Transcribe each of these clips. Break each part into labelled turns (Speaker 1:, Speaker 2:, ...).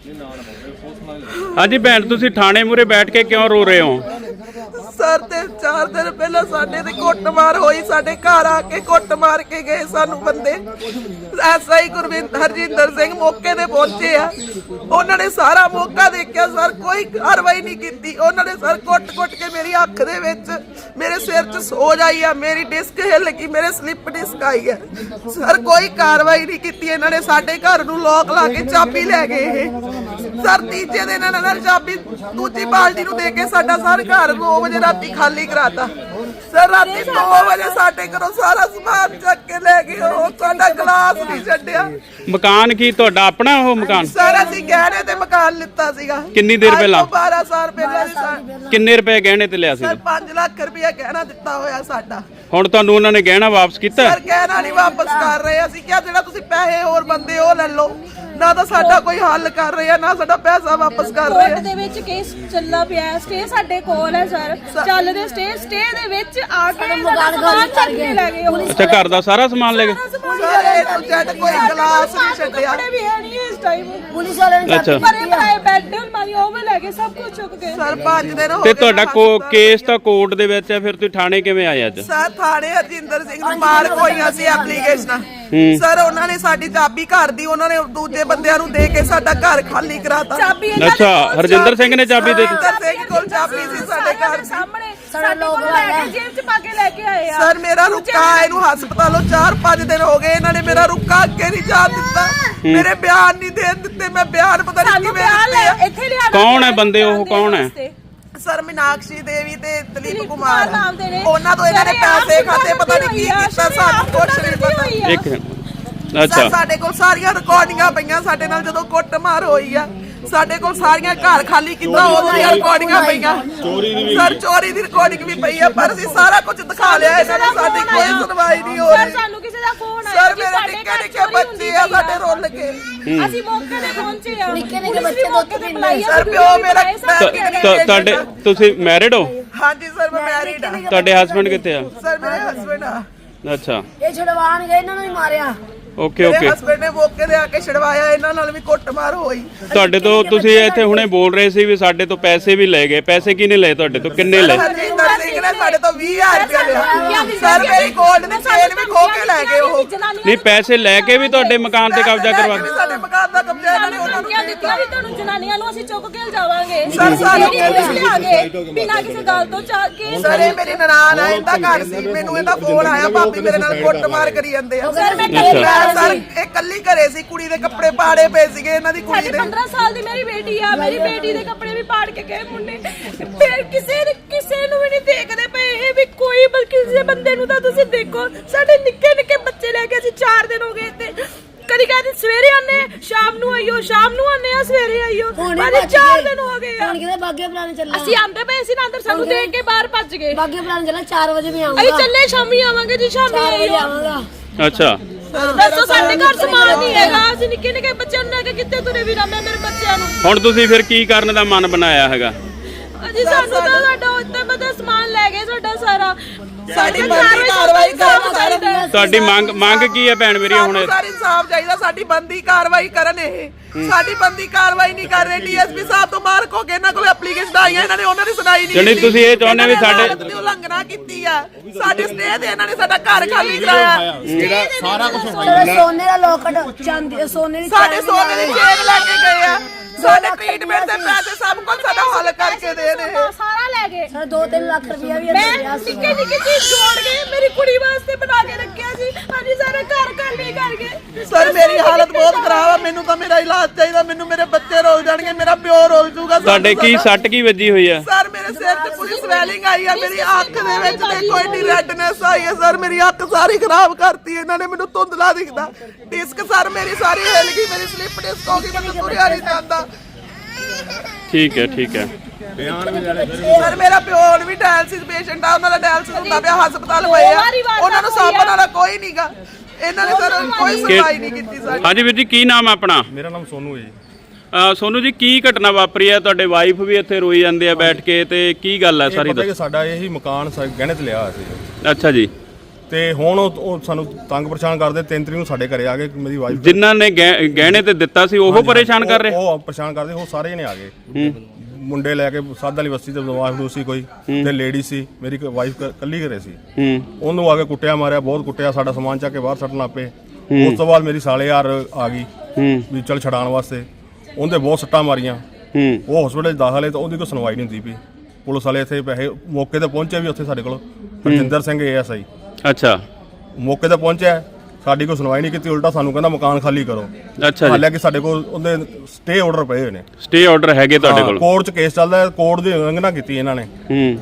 Speaker 1: ਹਾਂਜੀ ਭੈਣ, ਤੁਸੀਂ ਥਾਣੇ ਮੂਹਰੇ ਬੈਠ ਕੇ ਕਿਉਂ ਰੋ ਰਹੇ ਹੋ?
Speaker 2: ਸਰ ਤੇ 4 ਦਿਨ ਪਹਿਲਾਂ ਸਾਡੇ ਤੇ ਕੁੱਟਮਾਰ ਹੋਈ, ਸਾਡੇ ਘਰ ਆ ਕੇ ਕੁੱਟ ਮਾਰ ਕੇ ਗਏ ਸਾਨੂੰ ਬੰਦੇ। ਐਸਆਈ ਗੁਰਵਿੰਦਰ ਹਰਜਿੰਦਰ ਸਿੰਘ ਮੌਕੇ ਤੇ ਪਹੁੰਚੇ ਆ, ਉਹਨਾਂ ਨੇ ਸਾਰਾ ਮੌਕਾ ਦੇਖਿਆ ਸਰ, ਕੋਈ ਕਾਰਵਾਈ ਨਹੀਂ ਕੀਤੀ। ਉਹਨਾਂ ਨੇ ਸਰ ਕੁੱਟ-ਕੁੱਟ ਕੇ ਮੇਰੀ ਅੱਖ ਦੇ ਵਿੱਚ, ਮੇਰੇ ਸਿਰ 'ਚ ਸੋਜ ਆਈ ਆ, ਮੇਰੀ ਡਿਸਕ ਹਿੱਲ ਗਈ, ਮੇਰੇ ਸਲਿੱਪ ਡਿਸਕ ਆਈ ਆ। ਸਰ ਕੋਈ ਕਾਰਵਾਈ ਨਹੀਂ ਕੀਤੀ ਇਹਨਾਂ ਨੇ। ਸਾਡੇ ਘਰ ਨੂੰ ਲੋਕ ਲਾ ਕੇ ਚਾਬੀ ਲੈ ਗਏ ਇਹ ਸਰ। ਤੀਜੇ ਦਿਨ ਇਹਨਾਂ ਨੇ ਚਾਬੀ ਦੂਜੀ ਬਾਲਟੀ ਨੂੰ ਦੇ ਕੇ ਸਾਡਾ ਸਰ ਘਰ 2 ਵਜੇ ਰਾਤੀ ਖਾਲੀ ਕਰਾਤਾ ਸਰ। ਰਾਤੀ 2 ਵਜੇ ਸਾਡੇ ਘਰੋਂ ਸਾਰਾ ਸਮਾਨ ਚੱਕ ਕੇ ਲੈ ਗਏ। ਉਹ ਸਾਡਾ ਗਲਾਸ ਨਹੀਂ ਛੱਡਿਆ।
Speaker 1: ਮਕਾਨ ਕੀ ਤੁਹਾਡਾ ਆਪਣਾ ਉਹ ਮਕਾਨ?
Speaker 2: ਸਰ ਅਸੀਂ ਗਹਿਣੇ ਤੇ ਮਕਾਨ ਲਿੱਤਾ ਸੀਗਾ।
Speaker 1: ਕਿੰਨੀ ਦੇਰ ਪਹਿਲਾਂ?
Speaker 2: 12 ਸਾਲ ਪਹਿਲਾਂ।
Speaker 1: ਕਿੰਨੇ ਰੁਪਏ ਗਹਿਣੇ ਤੇ ਲਿਆ ਸੀ?
Speaker 2: ਸਰ 5 ਲੱਖ ਰੁਪਏ ਗਹਿਣਾ ਦਿੱਤਾ ਹੋਇਆ ਸਾਡਾ।
Speaker 1: ਹੁਣ ਤੁਹਾਨੂੰ ਉਹਨਾਂ ਨੇ ਗਹਿਣਾ ਵਾਪਸ ਕੀਤਾ?
Speaker 2: ਸਰ ਗਹਿਣਾ ਨਹੀਂ ਵਾਪਸ ਕਰ ਰਹੇ। ਅਸੀਂ ਕਿਹਾ ਜਿਹੜਾ ਤੁਸੀਂ ਪੈਸੇ ਹੋਰ ਬੰਦੇ ਉਹ ਲੈ ਲਓ, ਨਾ ਤਾਂ ਸਾਡਾ ਕੋਈ ਹੱਲ ਕਰ ਰਹੇ ਆ, ਨਾ ਸਾਡਾ ਪੈਸਾ ਵਾਪਸ ਕਰ ਰਹੇ ਆ।
Speaker 3: ਕੋਰਟ ਦੇ ਵਿੱਚ ਕੇਸ ਚੱਲਦਾ ਪਿਆ, ਸਟੇ ਸਾਡੇ ਕੋਲ ਹੈ ਸਰ, ਚੱਲਦੇ ਸਟੇ ਦੇ ਵਿੱਚ ਆ ਕੇ ਸਮਾਨ ਚੱਕ ਕੇ ਲੈ ਗਏ।
Speaker 1: ਅੱਛਾ, ਘਰ ਦਾ ਸਾਰਾ ਸਮਾਨ ਲੈ ਗਏ?
Speaker 2: ਸਰ ਇਹ ਤੋਂ ਜੱਟ ਕੋਈ ਗਲਾਸ ਨਹੀਂ ਛੱਡਿਆ।
Speaker 3: ਕੱਪੜੇ ਵੀ ਹੈ ਨਹੀਂ ਇਸ ਟਾਈਮ।
Speaker 4: ਪੁਲਿਸ ਵਾਲਿਆਂ ਨੇ
Speaker 1: ਅੱਛਾ,
Speaker 3: ਪਰੇ ਪਰਾਏ ਬੈੱਡ ਮਾਰੀ ਉਹ ਵੀ ਲੈ ਗਏ, ਸਭ ਕੁਝ ਚੁੱਕ ਗਏ।
Speaker 2: ਸਰ 5 ਦਿਨ ਹੋ
Speaker 1: ਤੇ
Speaker 2: ਗਏ।
Speaker 1: ਤੁਹਾਡਾ ਕੇਸ ਤਾਂ ਕੋਰਟ ਦੇ ਵਿੱਚ ਹੈ, ਫਿਰ ਤੁਸੀਂ ਥਾਣੇ ਕਿਵੇਂ ਆਏ ਅੱਜ?
Speaker 2: ਸਰ ਥਾਣੇ ਹਰਜਿੰਦਰ ਸਿੰਘ ਨੂੰ ਮਾਰ ਹੋਈਆਂ ਸੀ ਐਪਲੀਕੇਸ਼ਨਾਂ। ਸਰ ਉਹਨਾਂ ਨੇ ਸਾਡੀ ਚਾਬੀ ਘਰ ਦੀ ਉਹਨਾਂ ਨੇ ਦੂਜੇ ਬੰਦਿਆਂ ਨੂੰ ਦੇ ਕੇ ਸਾਡਾ ਘਰ ਖਾਲੀ ਕਰਾਤਾ।
Speaker 3: ਚਾਬੀ
Speaker 1: ਅੱਛਾ, ਹਰਜਿੰਦਰ ਸਿੰਘ ਨੇ ਚਾਬੀ ਦੇ ਦਿੱਤੀ?
Speaker 2: ਹਰਜਿੰਦਰ ਸਿੰਘ ਕੋਲ ਚਾਬੀ ਸੀ ਸਾਡੇ ਘਰ
Speaker 3: ਸਾਹਮਣੇ ਸਾਡੇ ਲੋਕ ਲੈ ਕੇ ਜੇਬ 'ਚ ਪਾ ਕੇ ਲੈ ਕੇ ਆਏ ਆ।
Speaker 2: ਸਰ ਮੇਰਾ ਰੁੱਕਾ ਇਹਨੂੰ ਹਸਪਤਾਲੋਂ 4-5 ਦਿਨ ਹੋ ਗਏ। ਇਹਨਾਂ ਨੇ ਮੇਰਾ ਰੁੱਕਾ ਅੱਗੇ ਨਹੀਂ ਜਾਣ ਦਿੱਤਾ, ਮੇਰੇ ਬਿਆਨ ਨਹੀਂ ਦੇਣ ਦਿੱਤੇ। ਮੈਂ ਬਿਆਨ ਪਤਾ ਨਹੀਂ ਕਿਵੇਂ ਦਿੱਤੇ ਆ।
Speaker 3: ਇੱਥੇ ਲਿਆ
Speaker 1: ਕੌਣ ਹੈ ਬੰਦੇ ਉਹ? ਕੌਣ ਹੈ?
Speaker 2: ਸਰ ਮੀਨਾਕਸ਼ੀ ਦੇਵੀ ਤੇ ਦਲੀਪ ਕੁਮਾਰ
Speaker 3: ਨਾਮ ਦੇ ਨੇ।
Speaker 2: ਉਹਨਾਂ ਤੋਂ ਇਹਨਾਂ ਨੇ ਪੈਸੇ ਖਾਤੇ ਪਤਾ ਨਹੀਂ ਕੀ ਕੀਤਾ, ਸਾਨੂੰ ਕੁਛ ਨਹੀਂ ਪਤਾ।
Speaker 1: ਇੱਕ ਅੱਛਾ,
Speaker 2: ਸਾਡੇ ਕੋਲ ਸਾਰੀਆਂ ਰਿਕਾਰਡਿੰਗਾਂ ਪਈਆਂ ਸਾਡੇ ਨਾਲ ਜਦੋਂ ਕੁੱਟਮਾਰ ਹੋਈ ਆ। ਸਾਡੇ ਕੋਲ ਸਾਰੀਆਂ ਘਰ ਖਾਲੀ ਕੀਤਾ ਉਹਦੀਆਂ ਰਿਕਾਰਡਿੰਗਾਂ ਪਈਆਂ। ਸਰ ਚੋਰੀ ਦੀ ਰਿਕਾਰਡਿੰਗ ਵੀ ਪਈ ਆ, ਪਰ ਅਸੀਂ ਸਾਰਾ ਕੁਝ ਦਿਖਾ ਲਿਆ ਇਹਨਾਂ ਨੂੰ। ਸਾਡੀ ਕੋਈ ਸੁਣਵਾਈ ਨਹੀਂ ਹੋ
Speaker 3: ਸਰ
Speaker 2: ਰਹੀ।
Speaker 3: ਸਾਨੂੰ ਕਿਸੇ ਦਾ ਫੋਨ ਆਇਆ
Speaker 2: ਸਰ ਮੇਰੇ ਨਿੱਕੇ ਬੱਚੇ ਆ ਸਾਡੇ ਰੁੱਲ ਕੇ।
Speaker 3: ਅਸੀਂ ਮੌਕੇ ਤੇ ਪਹੁੰਚੇ ਆ।
Speaker 4: ਨਿੱਕੇ ਬੱਚੇ ਦੁੱਧ ਪੀਂਦੇ ਆ।
Speaker 2: ਸਰ ਪਿਓ ਮੇਰਾ
Speaker 1: ਤੁਹਾਡੇ ਤੁਸੀਂ ਮੈਰਿਡ ਹੋ?
Speaker 2: ਹਾਂਜੀ ਸਰ ਮੈਂ ਮੈਰਿਡ ਆ।
Speaker 1: ਤੁਹਾਡੇ ਹਸਬੰਡ ਕਿੱਥੇ ਆ?
Speaker 2: ਸਰ ਮੇਰੇ ਹਸਬੰਡ ਆ।
Speaker 1: ਅੱਛਾ,
Speaker 4: ਇਹ ਛਡਵਾਣ ਗਏ, ਇਹਨਾਂ ਨੂੰ ਹੀ ਮਾਰਿਆ।
Speaker 1: ਓਕੇ
Speaker 2: ਮੇਰੇ
Speaker 1: ਓਕੇ।
Speaker 2: ਹਸਬੰਡ ਨੇ ਮੌਕੇ ਤੇ ਆ ਕੇ ਛਡਵਾਇਆ। ਇਹਨਾਂ ਨਾਲ ਵੀ ਕੁੱਟਮਾਰ ਹੋਈ।
Speaker 1: ਤੁਹਾਡੇ ਤੋਂ ਤੁਸੀਂ ਇੱਥੇ ਹੁਣੇ ਬੋਲ ਰਹੇ ਸੀ ਵੀ ਸਾਡੇ ਤੋਂ ਪੈਸੇ ਵੀ ਲੈ ਗਏ। ਪੈਸੇ ਕਿਹਨੇ ਲਏ ਤੁਹਾਡੇ ਤੋਂ? ਕਿੰਨੇ ਲਏ?
Speaker 2: ਹਰਜਿੰਦਰ ਸਿੰਘ ਨੇ ਸਾਡੇ ਤੋਂ 20000 ਰੁਪਏ ਲਿਆ। ਸਰ ਮੇਰੀ ਗੋਲਡ ਦੀ ਚੇਨ ਵੀ ਖੋ ਕੇ ਲੈ ਗਏ ਉਹ।
Speaker 1: ਨਹੀਂ, ਪੈਸੇ ਲੈ ਕੇ ਵੀ ਤੁਹਾਡੇ ਮਕਾਨ ਤੇ ਕਬਜ਼ਾ ਕਰਵਾ
Speaker 2: ਵੀ ਸਾਡੇ ਮਕਾਨ ਦਾ ਕਬਜ਼ਾ ਇਹਨਾਂ ਨੇ ਉਹਨਾਂ ਨੂੰ
Speaker 3: ਧਮਕੀਆਂ ਦਿੱਤੀਆਂ ਵੀ ਤੁਹਾਨੂੰ ਜਨਾਨੀਆਂ ਨੂੰ ਅਸੀਂ ਚੁੱਕ ਕੇ ਲਿਜਾਵਾਂਗੇ।
Speaker 2: ਸਰ ਸਾਨੂੰ
Speaker 3: ਲਿਆਗੇ ਬਿਨਾਂ ਕਿਸੇ ਗੱਲ ਤੋਂ ਚਾ ਕੇ।
Speaker 2: ਸਰ ਇਹ ਮੇਰੀ ਨਨਾਣ ਆ, ਇਹਦਾ ਘਰ ਸੀ। ਮੈਨੂੰ ਇਹਦਾ ਫੋਨ ਆਇਆ, ਭਾਬੀ ਮੇਰੇ ਨਾਲ ਕੁੱਟਮਾਰ ਕਰੀ ਜਾਂਦੇ ਆ।
Speaker 3: ਸਰ ਮੈਂ
Speaker 2: ਸਰ ਇਹ ਕੱਲੀ ਘਰੇ ਸੀ, ਕੁੜੀ ਦੇ ਕੱਪੜੇ ਪਾੜੇ ਪਏ ਸੀਗੇ ਇਹਨਾਂ ਦੀ ਕੁੜੀ ਦੇ।
Speaker 3: 15 ਸਾਲ ਦੀ ਮੇਰੀ ਬੇਟੀ ਆ, ਮੇਰੀ ਬੇਟੀ ਦੇ ਕੱਪੜੇ ਵੀ ਪਾੜ ਕੇ ਗਏ ਮੁੰਡੇ। ਫਿਰ ਕਿਸੇ ਨੂੰ ਵੀ ਨਹੀਂ ਦੇਖਦੇ ਪਏ ਇਹ ਵੀ ਕੋਈ, ਬਲਕਿ ਕਿਸੇ ਬੰਦੇ ਨੂੰ ਤਾਂ ਤੁਸੀਂ ਦੇਖੋ। ਸਾਡੇ ਨਿੱਕੇ ਨਿੱਕੇ ਬੱਚੇ ਲੈ ਕੇ ਅਸੀਂ 4 ਦਿਨ ਹੋ ਗਏ ਤੇ ਕਦੀ ਕਹਿੰਦੇ ਸਵੇਰੇ ਆਨੇ, ਸ਼ਾਮ ਨੂੰ ਆਈਓ, ਸ਼ਾਮ ਨੂੰ ਆਨੇ ਆ, ਸਵੇਰੇ ਆਈਓ। ਬਾਅਦ 4 ਦਿਨ ਹੋ ਗਏ ਆ।
Speaker 4: ਹੁਣ ਕਿਤੇ ਬਾਗੇ ਪੁਰਾਣੇ ਚੱਲਣਾ।
Speaker 3: ਅਸੀਂ ਆਂਦੇ ਪਏ ਸੀ ਨਾ ਅੰਦਰ, ਸਾਨੂੰ ਦੇਖ ਕੇ ਬਾਹਰ ਭੱਜ ਗਏ।
Speaker 4: ਬਾਗੇ ਪੁਰਾਣੇ ਚੱਲਣਾ 4 ਵਜੇ ਵੀ ਆਉਂਗਾ।
Speaker 3: ਅਸੀਂ ਚੱਲੇ ਸ਼ਾਮੀ ਆਵਾਂਗੇ ਜੀ, ਸ਼ਾਮੀ
Speaker 4: 4 ਵਜੇ
Speaker 3: ਆਈਓ।
Speaker 4: ਆਵਾਂਗਾ।
Speaker 1: ਅੱਛਾ,
Speaker 3: ਦੱਸੋ ਸਾਡੇ ਘਰ ਸਮਾਨ ਨਹੀਂ ਹੈਗਾ। ਅਸੀਂ ਨਿੱਕੇ ਨਿੱਕੇ ਬੱਚਿਆਂ ਨੂੰ ਲੈ ਕੇ ਕਿੱਥੇ ਤੁਰੇ ਵੀਰਾਂ? ਮੈਂ ਮੇਰੇ ਬੱਚਿਆਂ ਨੂੰ।
Speaker 1: ਹੁਣ ਤੁਸੀਂ ਫਿਰ ਕੀ ਕਰਨ ਦਾ ਮਨ ਬਣਾਇਆ ਹੈਗਾ?
Speaker 3: ਅਜੀ ਸਾਨੂੰ ਤਾਂ ਸਾਡਾ ਉੱਤੇ ਪਤਾ ਸਮਾਨ ਲੈ ਗਏ ਸਾਡਾ ਸਾਰਾ।
Speaker 2: ਸਾਡੀ ਬੰਦੀ ਕਾਰਵਾਈ ਕਰਨ।
Speaker 1: ਤੁਹਾਡੀ ਮੰਗ ਕੀ ਹੈ ਭੈਣ ਮੇਰੀ? ਹੁਣ
Speaker 2: ਸਾਰੀ ਇਨਸਾਫ ਚਾਹੀਦਾ, ਸਾਡੀ ਬੰਦੀ ਕਾਰਵਾਈ ਕਰਨ। ਇਹ ਸਾਡੀ ਬੰਦੀ ਕਾਰਵਾਈ ਨਹੀਂ ਕਰ ਰਹੇ। ਡੀਐਸਪੀ ਸਾਹਿਬ ਤੋਂ ਮਾਰ ਕੋ ਕੇ ਇਹਨਾਂ ਕੋਲ ਐਪਲੀਕੇਸ਼ਨ ਆਈਆਂ, ਇਹਨਾਂ ਨੇ ਉਹਨਾਂ ਦੀ ਸੁਣਾਈ ਨਹੀਂ।
Speaker 1: ਜਿਹੜੀ ਤੁਸੀਂ ਇਹ ਚਾਹੁੰਦੇ ਵੀ ਸਾਡੇ
Speaker 2: ਉਲੰਘਣਾ ਕੀਤੀ ਆ, ਸਾਡੇ ਸਟੇ ਤੇ ਇਹਨਾਂ ਨੇ ਸਾਡਾ ਘਰ ਖਾਲੀ ਕਰਾਇਆ।
Speaker 5: ਜਿਹੜਾ ਸਾਰਾ ਕੁਝ
Speaker 4: ਸੋਨੇ ਦਾ ਲੋਕਟ, ਚਾਂਦੀ, ਸੋਨੇ ਦੀ
Speaker 2: ਸਾਡੇ ਸੋਨੇ ਦੀ ਚੇਨ ਲੈ ਕੇ ਗਏ ਆ। ਸਾਡੇ ਟ੍ਰੀਟਮੈਂਟ ਦੇ ਪੈਸੇ ਸਭ ਕੁਝ ਸਾਡਾ ਹੱਲ ਕਰਕੇ ਦੇ ਰਹੇ।
Speaker 3: ਸਾਰਾ ਲੈ ਗਏ।
Speaker 4: ਸਰ 2-3 ਲੱਖ ਰੁਪਇਆ ਵੀ
Speaker 3: ਮੈਂ
Speaker 4: ਲਿਆ ਸੀ।
Speaker 3: ਨਿੱਕੇ ਨਿੱਕੇ ਚੀਜ਼ ਜੋੜ ਕੇ ਮੇਰੀ ਕੁੜੀ ਵਾਸਤੇ ਬਣਾ ਕੇ ਰੱਖਿਆ ਸੀ। ਹਾਂਜੀ ਸਾਰਾ ਘਰ ਖਾਲੀ ਕਰ ਗਏ।
Speaker 2: ਸਰ ਮੇਰੀ ਹਾਲਤ ਬਹੁਤ ਖਰਾਬ ਆ। ਮੈਨੂੰ ਤਾਂ ਮੇਰਾ ਇਲਾਜ ਚਾਹੀਦਾ। ਮੈਨੂੰ ਮੇਰੇ ਬੱਚੇ ਰੋਲ ਜਾਣਗੇ, ਮੇਰਾ ਪਿਓ ਰੋਲ ਜੂਗਾ।
Speaker 1: ਤੁਹਾਡੇ ਕੀ ਸੱਟ ਕੀ ਵੱਜੀ ਹੋਈ ਆ?
Speaker 2: ਸਰ ਮੇਰੇ ਸਿਰ ਤੇ ਪੂਰੀ ਸਵੈਲਿੰਗ ਆਈ ਆ। ਮੇਰੀ ਅੱਖ ਦੇ ਵਿੱਚ ਦੇਖੋ ਇੰਨੀ ਰੈਡਨੈਸ ਆਈ ਹੈ। ਸਰ ਮੇਰੀ ਅੱਖ ਸਾਰੀ ਖਰਾਬ ਕਰਤੀ ਇਹਨਾਂ ਨੇ। ਮੈਨੂੰ ਧੁੰਦਲਾ ਦਿਖਦਾ। ਡਿਸਕ ਸਰ ਮੇਰੀ ਸਾਰੀ ਹਿੱਲ ਗਈ। ਮੇਰੀ ਸਲਿੱਪ ਡਿਸਕ ਹੋ ਗਈ। ਮੈਨੂੰ ਤੁਰਿਆ ਨਹੀਂ ਜਾਂਦਾ।
Speaker 1: ਠੀਕ ਹੈ, ਠੀਕ ਹੈ।
Speaker 2: ਸਰ ਮੇਰਾ ਪਿਓ ਹੁਣ ਵੀ ਡਾਇਲਸਿਸ ਪੇਸ਼ੈਂਟ ਆ। ਉਹਨਾਂ ਦਾ ਡਾਇਲਸਿਸ ਹੁੰਦਾ ਪਿਆ, ਹਸਪਤਾਲ ਪਏ ਆ। ਉਹਨਾਂ ਨੂੰ ਸਾਂਭਣ ਵਾਲਾ ਕੋਈ ਨਹੀਂਗਾ। ਇਹਨਾਂ ਨੇ ਸਰ ਕੋਈ ਸੁਣਵਾਈ ਨਹੀਂ ਕੀਤੀ ਸਾਡੀ।
Speaker 1: ਹਾਂਜੀ ਵੀਰ ਜੀ, ਕੀ ਨਾਮ ਹੈ ਆਪਣਾ?
Speaker 5: ਮੇਰਾ ਨਾਮ ਸੋਨੂ ਹੈ ਜੀ।
Speaker 1: ਸੋਨੂ ਜੀ, ਕੀ ਘਟਨਾ ਵਾਪਰੀ ਹੈ? ਤੁਹਾਡੇ ਵਾਈਫ ਵੀ ਇੱਥੇ ਰੋਈ ਜਾਂਦੇ ਆ ਬੈਠ ਕੇ, ਤੇ ਕੀ ਗੱਲ ਹੈ ਸਾਰੀ
Speaker 5: ਪਤਾ ਕਿ ਸਾਡਾ ਇਹੀ ਮਕਾਨ ਗਹਿਣੇ ਤੇ ਲਿਆ ਸੀ।
Speaker 1: ਅੱਛਾ ਜੀ।
Speaker 5: ਤੇ ਹੁਣ ਉਹ ਸਾਨੂੰ ਤੰਗ ਪਰੇਸ਼ਾਨ ਕਰਦੇ। 3 ਤਰੀਕ ਨੂੰ ਸਾਡੇ ਘਰੇ ਆ ਗਏ, ਮੇਰੀ ਵਾਈਫ
Speaker 1: ਜਿਨ੍ਹਾਂ ਨੇ ਗਹਿਣੇ ਤੇ ਦਿੱਤਾ ਸੀ ਉਹ ਪਰੇਸ਼ਾਨ ਕਰ ਰਹੇ?
Speaker 5: ਉਹ ਪਰੇਸ਼ਾਨ ਕਰਦੇ, ਉਹ ਸਾਰੇ ਜਣੇ ਆ ਗਏ। ਮੁੰਡੇ ਲੈ ਕੇ ਸਾਧ ਵਾਲੀ ਬਸਤੀ ਤੇ ਬਦਮਾਸ਼ ਸੀ ਕੋਈ, ਤੇ ਲੇਡੀ ਸੀ, ਮੇਰੀ ਵਾਈਫ ਕੱਲੀ ਘਰੇ ਸੀ। ਉਹਨੂੰ ਆ ਕੇ ਕੁੱਟਿਆ ਮਾਰਿਆ, ਬਹੁਤ ਕੁੱਟਿਆ, ਸਾਡਾ ਸਮਾਨ ਚੱਕ ਕੇ ਬਾਹਰ ਸੱਟਣ ਲੱਗ ਪਏ। ਉਸ ਤੋਂ ਬਾਅਦ ਮੇਰੀ ਸਾਲੇ ਯਾਰ ਆ ਗਈ ਵੀ ਚੱਲ ਛਡਾਉਣ ਵਾਸਤੇ, ਉਹਦੇ ਬਹੁਤ ਸੱਟਾਂ ਮਾਰੀਆਂ। ਉਹ ਹਸਪੀਟਲ 'ਚ ਦਾਖਲ ਹੈ ਤਾਂ ਉਹਦੀ ਕੋਈ ਸੁਣਵਾਈ ਨਹੀਂ ਹੁੰਦੀ ਪਈ। ਪੁਲਿਸ ਵਾਲੇ ਇੱਥੇ ਪੈਸੇ ਮੌਕੇ ਤੇ ਪਹੁੰਚੇ ਵੀ ਉੱਥੇ ਸਾਡੇ ਕੋਲ ਹਰਜਿੰਦਰ ਸਿੰਘ ASI
Speaker 1: ਅੱਛਾ
Speaker 5: ਮੌਕੇ ਤੇ ਪਹੁੰਚਿਆ, ਸਾਡੀ ਕੋਈ ਸੁਣਵਾਈ ਨਹੀਂ ਕੀਤੀ, ਉਲਟਾ ਸਾਨੂੰ ਕਹਿੰਦਾ ਮਕਾਨ ਖਾਲੀ ਕਰੋ।
Speaker 1: ਅੱਛਾ ਜੀ,
Speaker 5: ਹਾਲਾਂਕਿ ਸਾਡੇ ਕੋਲ ਉਹਦੇ ਸਟੇ ਆਰਡਰ ਪਏ ਹੋਏ ਨੇ।
Speaker 1: ਸਟੇ ਆਰਡਰ ਹੈਗੇ ਤੁਹਾਡੇ ਕੋਲ?
Speaker 5: ਕੋਰਟ 'ਚ ਕੇਸ ਚੱਲਦਾ, ਕੋਰਟ ਦੀ ਉਲੰਘਣਾ ਕੀਤੀ ਇਹਨਾਂ ਨੇ।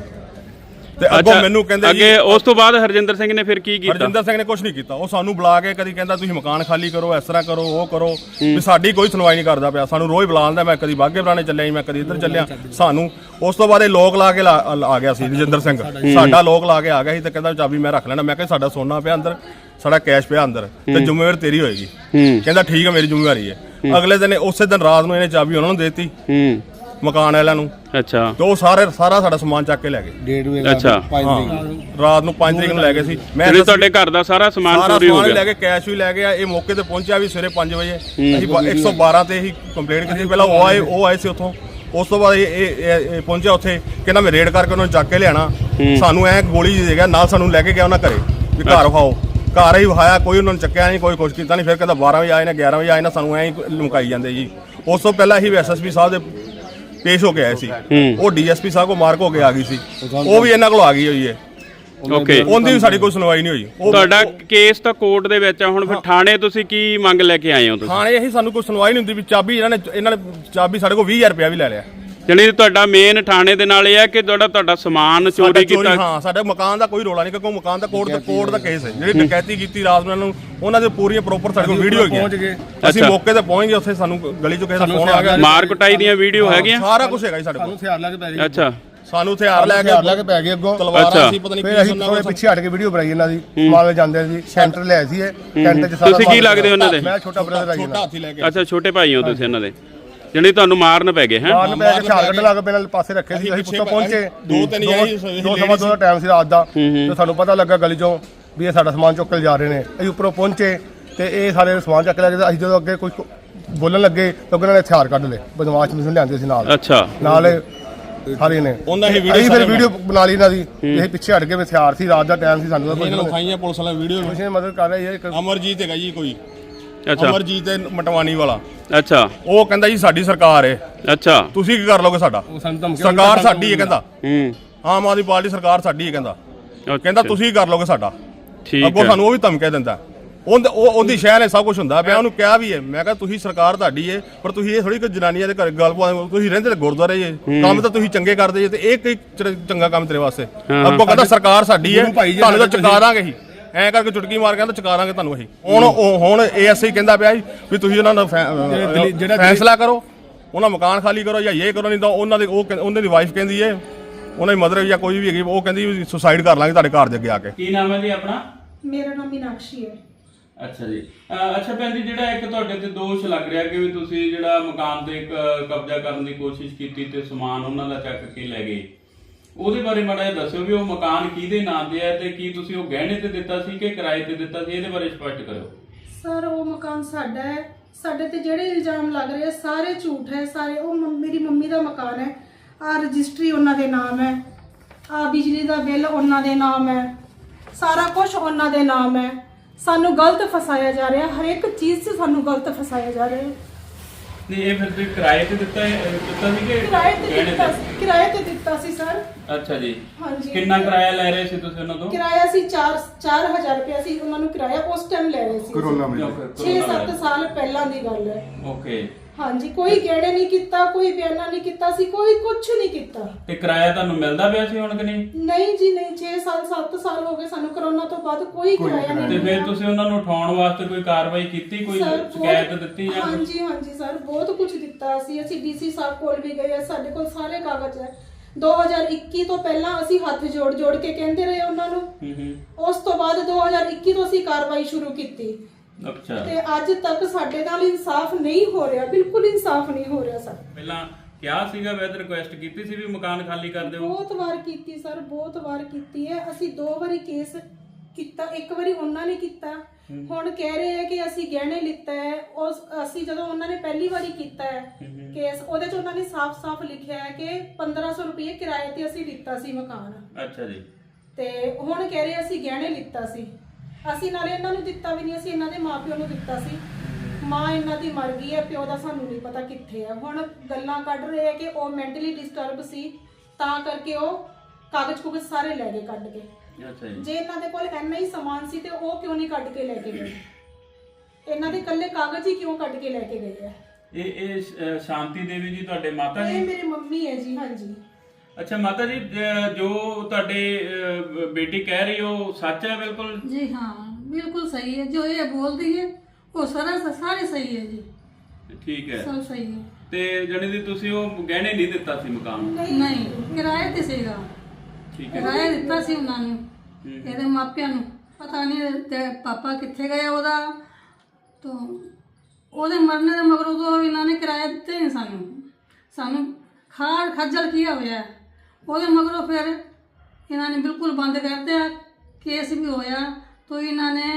Speaker 5: ਤੇ ਅੱਗੋਂ ਮੈਨੂੰ ਕਹਿੰਦੇ ਜੀ,
Speaker 1: ਅੱਗੇ ਉਸ ਤੋਂ ਬਾਅਦ ਹਰਜਿੰਦਰ ਸਿੰਘ ਨੇ ਫਿਰ ਕੀ ਕੀਤਾ?
Speaker 5: ਹਰਜਿੰਦਰ ਸਿੰਘ ਨੇ ਕੁਝ ਨਹੀਂ ਕੀਤਾ। ਉਹ ਸਾਨੂੰ ਬੁਲਾ ਕੇ ਕਦੀ ਕਹਿੰਦਾ ਤੁਸੀਂ ਮਕਾਨ ਖਾਲੀ ਕਰੋ, ਇਸ ਤਰ੍ਹਾਂ ਕਰੋ, ਉਹ ਕਰੋ, ਵੀ ਸਾਡੀ ਕੋਈ ਸੁਣਵਾਈ ਨਹੀਂ ਕਰਦਾ ਪਿਆ। ਸਾਨੂੰ ਰੋਜ਼ ਬੁਲਾਉਂਦਾ, ਮੈਂ ਕਦੀ ਬਾਗੇ ਪੁਰਾਣੇ ਚੱਲਿਆ ਜੀ, ਮੈਂ ਕਦੀ ਇੱਧਰ ਚੱਲਿਆ। ਸਾਨੂੰ ਉਸ ਤੋਂ ਬਾਅਦ ਇਹ ਲੋਕ ਲਾ ਕੇ ਆ ਗਿਆ ਸੀ ਰਜਿੰਦਰ ਸਿੰਘ, ਸਾਡਾ ਲੋਕ ਲਾ ਕੇ ਆ ਗਿਆ ਸੀ ਤੇ ਕਹਿੰਦਾ ਚਾਬੀ ਮੈਂ ਰੱਖ ਲੈਣਾ। ਮੈਂ ਕਿਹਾ ਸਾਡਾ ਸੋਨਾ ਪਿਆ ਅੰਦਰ, ਸਾਡਾ ਕੈਸ਼ ਪਿਆ ਅੰਦਰ, ਤੇ ਜ਼ਿੰਮੇਵਾਰੀ ਤੇਰੀ ਹੋਏਗੀ। ਕਹਿੰਦਾ ਠੀਕ ਹੈ, ਮੇਰੀ ਜ਼ਿੰਮੇਵਾਰੀ ਹੈ। ਅਗਲੇ ਦਿਨ ਉਸੇ ਦਿਨ ਰਾਤ ਨੂੰ ਇਹਨੇ ਚਾਬੀ ਉਹਨਾਂ ਨੂੰ ਦੇਤੀ, ਮਕਾਨ ਵਾਲਿਆਂ ਨੂੰ।
Speaker 1: ਅੱਛਾ,
Speaker 5: ਤੇ ਉਹ ਸਾਰਾ ਸਾਡਾ ਸਮਾਨ ਚੱਕ ਕੇ ਲੈ ਗਏ।
Speaker 1: ਅੱਛਾ,
Speaker 5: ਰਾਤ ਨੂੰ 5 ਤਰੀਕ ਨੂੰ ਲੈ ਗਏ ਸੀ। ਮੈਂ
Speaker 1: ਤੁਹਾਡੇ ਘਰ ਦਾ ਸਾਰਾ ਸਮਾਨ ਚੋਰੀ ਹੋ ਗਿਆ?
Speaker 5: ਲੈ ਕੇ ਕੈਸ਼ ਵੀ ਲੈ ਗਿਆ। ਇਹ ਮੌਕੇ ਤੇ ਪਹੁੰਚਿਆ ਵੀ ਸਵੇਰੇ 5 ਵਜੇ। ਅਸੀਂ 112 ਤੇ ਹੀ ਕੰਪਲੇਂਟ ਕੀਤੀ। ਪਹਿਲਾਂ ਉਹ ਆਏ ਸੀ ਉੱਥੋਂ, ਉਸ ਤੋਂ ਬਾਅਦ ਇਹ ਪਹੁੰਚਿਆ ਉੱਥੇ, ਕਹਿੰਦਾ ਮੈਂ ਰੇਡ ਕਰਕੇ ਉਹਨਾਂ ਨੂੰ ਚੱਕ ਕੇ ਲਿਆਣਾ। ਸਾਨੂੰ ਐ ਗੋਲੀ ਜੀ ਦੇ ਗਿਆ ਨਾਲ, ਸਾਨੂੰ ਲੈ ਕੇ ਗਿਆ ਉਹਨਾਂ ਘਰੇ ਵੀ ਘਰ ਵਿਖਾਓ। ਘਰ ਹੀ ਵਿਖਾਇਆ, ਕੋਈ ਉਹਨਾਂ ਨੂੰ ਚੱਕਿਆ ਨਹੀਂ, ਕੋਈ ਕੁਛ ਕੀਤਾ ਨਹੀਂ। ਫਿਰ ਕਹਿੰਦਾ 12 ਵਜੇ ਆਏ ਨੇ, 11 ਵਜੇ ਆਏ ਨੇ, ਸਾਨੂੰ ਐਂ ਹੀ ਲੁਕਾਈ ਜਾਂਦੇ ਜੀ। ਉਸ ਤੋਂ ਪਹਿਲਾਂ ਹੀ SSP ਸਾਹਿਬ ਦੇ ਪੇਸ਼ ਹੋ ਕੇ ਆਏ ਸੀ। ਉਹ DSP ਸਾਹਿਬ ਕੋ ਮਾਰਕ ਹੋ ਕੇ ਆ ਗਈ ਸੀ, ਉਹ ਵੀ ਇਹਨਾਂ ਕੋਲ ਆ ਗਈ ਹੋਈ ਹੈ।
Speaker 1: ਓਕੇ,
Speaker 5: ਉਹਦੀ ਵੀ ਸਾਡੀ ਕੋਈ ਸੁਣਵਾਈ ਨਹੀਂ ਹੋਈ।
Speaker 1: ਤੁਹਾਡਾ ਕੇਸ ਤਾਂ ਕੋਰਟ ਦੇ ਵਿੱਚ ਆ ਹੁਣ, ਫਿਰ ਥਾਣੇ ਤੁਸੀਂ ਕੀ ਮੰਗ ਲੈ ਕੇ ਆਏ ਹੋ? ਤੁਸੀਂ
Speaker 5: ਥਾਣੇ ਇਹੀ ਸਾਨੂੰ ਕੋਈ ਸੁਣਵਾਈ ਨਹੀਂ ਹੁੰਦੀ ਵੀ ਚਾਬੀ ਇਹਨਾਂ ਨੇ ਚਾਬੀ ਸਾਡੇ ਕੋਲ 20000 ਰੁਪਇਆ ਵੀ ਲੈ ਲਿਆ।
Speaker 1: ਜਾਣੀ ਤੁਹਾਡਾ ਮੇਨ ਥਾਣੇ ਦੇ ਨਾਲ ਇਹ ਹੈ ਕਿ ਤੁਹਾਡਾ ਸਮਾਨ ਚੋਰੀ ਕੀਤਾ?
Speaker 5: ਹਾਂ, ਸਾਡੇ ਮਕਾਨ ਦਾ ਕੋਈ ਰੋਲਾ ਨਹੀਂ, ਕਿਉਂਕਿ ਮਕਾਨ ਦਾ ਕੋਰਟ ਦਾ ਕੇਸ ਹੈ। ਜਿਹੜੀ ਡਕੈਤੀ ਕੀਤੀ ਰਾਤ ਨੂੰ, ਉਹਨਾਂ ਦੇ ਪੂਰੀਆਂ ਪ੍ਰੋਪਰ ਸਾਡੇ ਕੋਲ ਵੀਡੀਓ ਹੈਗੀਆਂ। ਅਸੀਂ ਮੌਕੇ ਤੇ ਪਹੁੰਚ ਗਏ, ਉੱਥੇ ਸਾਨੂੰ ਗਲੀ ਚੋਂ ਕਿਸੇ ਦਾ ਫੋਨ ਆ ਗਿਆ,
Speaker 1: ਮਾਰ ਕੁਟਾਈ ਦੀਆਂ ਵੀਡੀਓ ਹੈਗੀਆਂ,
Speaker 5: ਸਾਰਾ ਕੁਝ ਹੈਗਾ ਜੀ ਸਾਡੇ ਕੋਲ।
Speaker 6: ਹਥਿਆਰ ਲੈ ਕੇ ਪੈ ਗਏ।
Speaker 1: ਅੱਛਾ,
Speaker 5: ਸਾਨੂੰ ਹਥਿਆਰ ਲੈ ਕੇ
Speaker 6: ਪੈ ਗਏ ਅੱਗੋਂ,
Speaker 5: ਤਲਵਾਰਾਂ ਸੀ, ਪਤਾ ਨਹੀਂ
Speaker 6: ਫਿਰ ਅਸੀਂ ਥੋੜੇ ਪਿੱਛੇ ਹਟ ਕੇ ਵੀਡੀਓ ਬਣਾਈ ਇਹਨਾਂ ਦੀ। ਮਾਲੇ ਜਾਂਦੇ ਸੀ, ਸੈਂਟਰ ਲਿਆਏ ਸੀ ਇਹ ਕੈਂਟਰ ਚ। ਸਾਰਾ
Speaker 1: ਤੁਸੀਂ ਕੀ ਲੱਗਦੇ ਉਹਨਾਂ ਦੇ?
Speaker 6: ਮੈਂ ਛੋਟਾ ਬ੍ਰਦਰ ਆ ਜੀ।
Speaker 5: ਛੋਟਾ ਹਾਥੀ ਲੈ ਕੇ।
Speaker 1: ਅੱਛਾ, ਛੋਟੇ ਭਾਈ ਹੋ ਤੁਸੀਂ ਇਹਨਾਂ ਦੇ, ਜਿਹੜੀ ਤੁਹਾਨੂੰ ਮਾਰਨ ਪੈ ਗਏ ਹੈ?
Speaker 6: ਮਾਰਨ ਪੈ ਕੇ ਹਥਿਆਰ ਕੱਢਣ ਲੱਗ ਪਏ, ਨਾਲ ਪਾਸੇ ਰੱਖੇ ਸੀ। ਅਸੀਂ ਪੁੱਛੋ ਪਹੁੰਚੇ, 2:15 ਦਾ ਟਾਈਮ ਸੀ ਰਾਤ ਦਾ, ਤੇ ਸਾਨੂੰ ਪਤਾ ਲੱਗਾ ਗਲੀ ਚੋਂ ਵੀ ਇਹ ਸਾਡਾ ਸਮਾਨ ਚੁੱਕ ਕੇ ਜਾ ਰਹੇ ਨੇ। ਅਸੀਂ ਉੱਪਰੋਂ ਪਹੁੰਚੇ ਤੇ ਇਹ ਸਾਰੇ ਸਮਾਨ ਚੱਕ ਲੈ ਗਏ। ਅਸੀਂ ਜਦੋਂ ਅੱਗੇ ਕੋਈ ਬੋਲਣ ਲੱਗੇ ਤਾਂ ਉਹਨਾਂ ਨੇ ਹਥਿਆਰ ਕੱਢ ਲਏ, ਬਦਮਾਸ਼ ਮਿਸ਼ਨ ਲਿਆਂਦੇ ਸੀ ਨਾਲ।
Speaker 1: ਅੱਛਾ,
Speaker 6: ਨਾਲ ਸਾਰੇ ਨੇ ਅਸੀਂ ਫਿਰ ਵੀਡੀਓ ਬਣਾ ਲਈ ਇਹਨਾਂ ਦੀ। ਇਹ ਪਿੱਛੇ ਹਟ ਕੇ ਹਥਿਆਰ ਸੀ, ਰਾਤ ਦਾ ਟਾਈਮ ਸੀ, ਸਾਨੂੰ
Speaker 5: ਇਹਨਾਂ ਨੂੰ ਖਾਈਆਂ ਪੁਲਿਸ ਵਾਲਾ ਵੀਡੀਓ
Speaker 6: ਕਿਸੇ ਨੇ ਮਦਦ ਕਰ ਰਹੀ ਹੈ।
Speaker 5: ਅਮਰਜੀਤ ਹੈਗਾ ਜੀ ਕੋਈ,
Speaker 1: ਅੱਛਾ,
Speaker 5: ਅਮਰਜੀਤ ਮਟਵਾਨੀ ਵਾਲਾ।
Speaker 1: ਅੱਛਾ,
Speaker 5: ਉਹ ਕਹਿੰਦਾ ਜੀ ਸਾਡੀ ਸਰਕਾਰ ਹੈ,
Speaker 1: ਅੱਛਾ,
Speaker 5: ਤੁਸੀਂ ਕੀ ਕਰ ਲੋਗੇ? ਸਾਡਾ ਸਰਕਾਰ ਸਾਡੀ ਹੈ ਕਹਿੰਦਾ, ਆਮ ਆਦਮੀ ਪਾਰਟੀ ਸਰਕਾਰ ਸਾਡੀ ਹੈ ਕਹਿੰਦਾ। ਕਹਿੰਦਾ ਤੁਸੀਂ ਕੀ ਕਰ ਲੋਗੇ ਸਾਡਾ?
Speaker 1: ਠੀਕ
Speaker 5: ਅੱਗੋਂ
Speaker 1: ਹੈ,
Speaker 5: ਸਾਨੂੰ ਉਹ ਵੀ ਧਮਕੇ ਦਿੰਦਾ। ਉਹਦੀ ਸ਼ਹਿਰ ਨੇ ਸਭ ਕੁਝ ਹੁੰਦਾ ਪਿਆ। ਉਹਨੂੰ ਕਿਹਾ ਵੀ ਹੈ, ਮੈਂ ਕਿਹਾ ਤੁਸੀਂ ਸਰਕਾਰ ਤੁਹਾਡੀ ਹੈ, ਪਰ ਤੁਸੀਂ ਇਹ ਥੋੜੀ ਕਿ ਜਨਾਨੀਆਂ ਦੇ ਘਰ ਗੱਲ ਪਾ, ਤੁਸੀਂ ਰਹਿੰਦੇ ਤੇ ਗੁਰਦੁਆਰੇ ਜੇ, ਕੰਮ ਤਾਂ ਤੁਸੀਂ ਚੰਗੇ ਕਰਦੇ ਜੇ, ਤੇ ਇਹ ਕੀ ਚੰਗਾ ਕੰਮ ਤੇਰੇ ਵਾਸਤੇ? ਅੱਗੋਂ ਕਹਿੰਦਾ ਸਰਕਾਰ ਸਾਡੀ ਹੈ, ਤੁਹਾਨੂੰ ਤਾਂ ਚੁਕਾ ਦਾਂਗੇ ਹੀ। ਐ ਕਰਕੇ ਚੁਟਕੀ ਮਾਰ ਕਹਿੰਦਾ ਚੁਕਾ ਦਾਂਗੇ ਤੁਹਾਨੂੰ ਅਸੀਂ। ਹੁਣ ASI ਕਹਿੰਦਾ ਪਿਆ ਵੀ ਤੁਸੀਂ ਉਹਨਾਂ ਦਾ ਫੈਸਲਾ ਕਰੋ, ਉਹਨਾਂ ਮਕਾਨ ਖਾਲੀ ਕਰੋ ਜਾਂ ਇਹ ਕਰੋ, ਨਹੀਂ ਤਾਂ ਉਹਨਾਂ ਦੀ ਵਾਈਫ ਕਹਿੰਦੀ ਹੈ, ਉਹਨਾਂ ਦੀ ਮਦਰ ਜਾਂ ਕੋਈ ਵੀ ਹੈਗੀ, ਉਹ ਕਹਿੰਦੀ ਵੀ ਸੁਸਾਈਡ ਕਰ ਲਾਂਗੇ ਤੁਹਾਡੇ ਘਰ ਦੇ ਅੱਗੇ ਆ ਕੇ।
Speaker 1: ਕੀ ਨਾਮ ਹੈ ਜੀ ਆਪਣਾ?
Speaker 3: ਮੇਰਾ ਨਾਮ ਮੀਨਾਕਸ਼ੀ ਹੈ।
Speaker 1: ਅੱਛਾ ਜੀ, ਅੱਛਾ ਭੈਣ ਜੀ, ਜਿਹੜਾ ਇੱਕ ਤੁਹਾਡੇ ਤੇ ਦੋਸ਼ ਲੱਗ ਰਿਹਾ ਕਿ ਵੀ ਤੁਸੀਂ ਜਿਹੜਾ ਮਕਾਨ ਤੇ ਕਬਜ਼ਾ ਕਰਨ ਦੀ ਕੋਸ਼ਿਸ਼ ਕੀਤੀ ਤੇ ਸਮਾਨ ਉਹਨਾਂ ਦਾ ਚੱਕ ਕੇ ਲੈ ਗਏ, ਉਹਦੇ ਬਾਰੇ ਮਾੜਾ ਜਿਹਾ ਦੱਸਿਓ ਵੀ ਉਹ ਮਕਾਨ ਕਿਹਦੇ ਨਾਂ ਤੇ ਹੈ ਤੇ ਕੀ ਤੁਸੀਂ ਉਹ ਗਹਿਣੇ ਤੇ ਦਿੱਤਾ ਸੀ ਕਿ ਕਿਰਾਏ ਤੇ ਦਿੱਤਾ ਸੀ? ਇਹਦੇ ਬਾਰੇ ਸਪਸ਼ਟ ਕਰੋ।
Speaker 7: ਸਰ, ਉਹ ਮਕਾਨ ਸਾਡਾ ਹੈ। ਸਾਡੇ ਤੇ ਜਿਹੜੇ ਇਲਜ਼ਾਮ ਲੱਗ ਰਹੇ ਸਾਰੇ ਝੂਠ ਹੈ। ਸਾਰੇ ਉਹ ਮੇਰੀ ਮੰਮੀ ਦਾ ਮਕਾਨ ਹੈ। ਆ ਰਜਿਸਟਰੀ ਉਹਨਾਂ ਦੇ ਨਾਮ ਹੈ, ਆ ਬਿਜਲੀ ਦਾ ਬਿੱਲ ਉਹਨਾਂ ਦੇ ਨਾਮ ਹੈ, ਸਾਰਾ ਕੁਝ ਉਹਨਾਂ ਦੇ ਨਾਮ ਹੈ। ਸਾਨੂੰ ਗਲਤ ਫਸਾਇਆ ਜਾ ਰਿਹਾ, ਹਰ ਇੱਕ ਚੀਜ਼ 'ਚ ਸਾਨੂੰ ਗਲਤ ਫਸਾਇਆ ਜਾ ਰਿਹਾ।
Speaker 1: ਨਹੀਂ, ਇਹ ਫਿਰ ਤੁਸੀਂ ਕਿਰਾਏ ਤੇ ਦਿੱਤਾ ਸੀ ਕਿ
Speaker 7: ਕਿਰਾਏ ਤੇ ਦਿੱਤਾ ਸੀ ਸਰ।
Speaker 1: ਅੱਛਾ ਜੀ,
Speaker 7: ਹਾਂਜੀ।
Speaker 1: ਕਿੰਨਾ ਕਿਰਾਇਆ ਲੈ ਰਹੇ ਸੀ ਤੁਸੀਂ ਉਹਨਾਂ ਤੋਂ?
Speaker 7: ਕਿਰਾਇਆ ਸੀ 4000 ਰੁਪਏ ਸੀ ਉਹਨਾਂ ਨੂੰ ਕਿਰਾਇਆ ਉਸ ਟਾਈਮ ਲੈ ਰਹੇ ਸੀ।
Speaker 6: ਕਰੋਨਾ ਵਿੱਚ
Speaker 7: 6-7 ਸਾਲ ਪਹਿਲਾਂ ਦੀ ਗੱਲ ਹੈ।
Speaker 1: ਓਕੇ,
Speaker 7: ਹਾਂਜੀ, ਕੋਈ ਗੇੜੇ ਨਹੀਂ ਕੀਤਾ, ਕੋਈ ਬਿਆਨਾ ਨਹੀਂ ਕੀਤਾ ਸੀ, ਕੋਈ ਕੁਝ ਨਹੀਂ ਕੀਤਾ।
Speaker 1: ਤੇ ਕਿਰਾਇਆ ਤੁਹਾਨੂੰ ਮਿਲਦਾ ਪਿਆ ਸੀ ਹੁਣ ਕਿ ਨਹੀਂ?
Speaker 7: ਨਹੀਂ ਜੀ ਨਹੀਂ, 6-7 ਸਾਲ ਹੋ ਗਏ ਸਾਨੂੰ ਕਰੋਨਾ ਤੋਂ ਬਾਅਦ ਕੋਈ ਕਿਰਾਇਆ ਨਹੀਂ
Speaker 1: ਤੇ
Speaker 7: ਮਿਲਿਆ।
Speaker 1: ਫਿਰ ਤੁਸੀਂ ਉਹਨਾਂ ਨੂੰ ਉਠਾਉਣ ਵਾਸਤੇ ਕੋਈ ਕਾਰਵਾਈ ਕੀਤੀ, ਕੋਈ ਸ਼ਿਕਾਇਤ ਦਿੱਤੀ ਜਾਂ ਕੁਛ?
Speaker 7: ਹਾਂਜੀ ਸਰ, ਬਹੁਤ ਕੁਝ ਦਿੱਤਾ ਅਸੀਂ DC ਸਾਹਿਬ ਕੋਲ ਵੀ ਗਏ ਆ, ਸਾਡੇ ਕੋਲ ਸਾਰੇ ਕਾਗਜ਼ ਹੈ। 2021 ਤੋਂ ਪਹਿਲਾਂ ਅਸੀਂ ਹੱਥ ਜੋੜ ਕੇ ਕਹਿੰਦੇ ਰਹੇ ਉਹਨਾਂ ਨੂੰ। ਉਸ ਤੋਂ ਬਾਅਦ 2021 ਤੋਂ ਅਸੀਂ ਕਾਰਵਾਈ ਸ਼ੁਰੂ ਕੀਤੀ।
Speaker 1: ਅੱਛਾ,
Speaker 7: ਤੇ ਅੱਜ ਤੱਕ ਸਾਡੇ ਨਾਲ ਇਨਸਾਫ ਨਹੀਂ ਹੋ ਰਿਹਾ, ਬਿਲਕੁਲ ਇਨਸਾਫ ਨਹੀਂ ਹੋ ਰਿਹਾ ਸਰ।
Speaker 1: ਪਹਿਲਾਂ ਕਿਹਾ ਸੀਗਾ, ਵੈਦ ਰਿਕੁਐਸਟ ਕੀਤੀ ਸੀ ਵੀ ਮਕਾਨ ਖਾਲੀ ਕਰ ਦਿਓ?
Speaker 7: ਬਹੁਤ ਵਾਰ ਕੀਤੀ ਸਰ, ਬਹੁਤ ਵਾਰ ਕੀਤੀ ਹੈ। ਅਸੀਂ 2 ਵਾਰੀ ਕੇਸ ਕੀਤਾ, ਇੱਕ ਵਾਰੀ ਉਹਨਾਂ ਨੇ ਕੀਤਾ, ਹੁਣ ਕਹਿ ਰਹੇ ਆ ਕਿ ਅਸੀਂ ਗਹਿਣੇ ਲਿੱਤਾ ਹੈ। ਉਸ ਅਸੀਂ ਜਦੋਂ ਉਹਨਾਂ ਨੇ ਪਹਿਲੀ ਵਾਰੀ ਕੀਤਾ ਹੈ ਕੇਸ, ਉਹਦੇ 'ਚ ਉਹਨਾਂ ਨੇ ਸਾਫ਼-ਸਾਫ਼ ਲਿਖਿਆ ਹੈ ਕਿ 1500 ਰੁਪਏ ਕਿਰਾਏ ਤੇ ਅਸੀਂ ਲਿੱਤਾ ਸੀ ਮਕਾਨ।
Speaker 1: ਅੱਛਾ ਜੀ।
Speaker 7: ਤੇ ਹੁਣ ਕਹਿ ਰਹੇ ਅਸੀਂ ਗਹਿਣੇ ਲਿੱਤਾ ਸੀ, ਅਸੀਂ ਨਾਲੇ ਇਹਨਾਂ ਨੂੰ ਦਿੱਤਾ ਵੀ ਨਹੀਂ, ਅਸੀਂ ਇਹਨਾਂ ਦੇ ਮਾਪਿਓ ਨੂੰ ਦਿੱਤਾ ਸੀ। ਮਾਂ ਇਹਨਾਂ ਦੀ ਮਰ ਗਈ ਹੈ, ਪਿਓ ਦਾ ਸਾਨੂੰ ਨਹੀਂ ਪਤਾ ਕਿੱਥੇ ਹੈ। ਹੁਣ ਗੱਲਾਂ ਕੱਢ ਰਹੇ ਆ ਕਿ ਉਹ ਮੈਂਟਲੀ ਡਿਸਟਰਬ ਸੀ, ਤਾਂ ਕਰਕੇ ਉਹ ਕਾਗਜ਼-ਕੁਗਜ਼ ਸਾਰੇ ਲੈ ਗਏ ਕੱਢ ਕੇ।
Speaker 1: ਅੱਛਾ ਜੀ।
Speaker 7: ਜੇ ਇਹਨਾਂ ਦੇ ਕੋਲ ਇੰਨਾ ਹੀ ਸਮਾਨ ਸੀ ਤੇ ਉਹ ਕਿਉਂ ਨਹੀਂ ਕੱਢ ਕੇ ਲੈ ਕੇ ਗਏ? ਇਹਨਾਂ ਦੇ ਇਕੱਲੇ ਕਾਗਜ਼ ਹੀ ਕਿਉਂ ਕੱਢ ਕੇ ਲੈ ਕੇ ਗਏ ਆ?
Speaker 1: ਇਹ ਸ਼ਾਂਤੀ ਦੇਵੀ ਜੀ ਤੁਹਾਡੇ ਮਾਤਾ
Speaker 7: ਇਹ
Speaker 1: ਜੀ?
Speaker 7: ਮੇਰੀ ਮੰਮੀ ਹੈ ਜੀ। ਹਾਂਜੀ।
Speaker 1: ਅੱਛਾ ਮਾਤਾ ਜੀ, ਜੋ ਤੁਹਾਡੇ ਬੇਟੀ ਕਹਿ ਰਹੀ ਉਹ ਸੱਚ ਹੈ ਬਿਲकुल?
Speaker 8: जी हाँ, बिल्कुल सही है। जो ये बोल रही है वो सारे सही है जी,
Speaker 1: ਠੀਕ ਹੈ।
Speaker 8: सब सही है।
Speaker 1: ਤੇ ਜਣੀ ਦੀ ਤੁਸੀਂ ਉਹ ਗਹਿਣੇ ਨਹੀਂ ਦਿੱਤਾ ਸੀ ਮਕਾਨ ਨੂੰ?
Speaker 8: नहीं, किराए ते सीगा,
Speaker 1: ਠੀਕ ਹੈ।
Speaker 8: किराया दिता सी उन्हां नूं, ਇਹਦੇ ਮਾਪਿਆਂ ਨੂੰ। ਪਤਾ ਨਹੀਂ ਤੇ ਪਾਪਾ ਕਿੱਥੇ ਗਿਆ ਉਹਦਾ, ਤੋਂ ਉਹਦੇ ਮਰਨ ਦੇ ਮਗਰੋਂ ਤੋਂ ਇਹਨਾਂ ਨੇ ਕਿਰਾਇਆ ਦਿੱਤੇ ਨਹੀਂ ਸਾਨੂੰ ਖੱਜਲ ਕੀਤਾ ਹੋਇਆ। ਉਹਦੇ ਮਗਰੋਂ ਫਿਰ ਇਹਨਾਂ ਨੇ ਬਿਲਕੁਲ ਬੰਦ ਕਰ ਦਿਆ। ਕੇਸ ਵੀ ਹੋਇਆ ਤਾਂ ਇਹਨਾਂ ਨੇ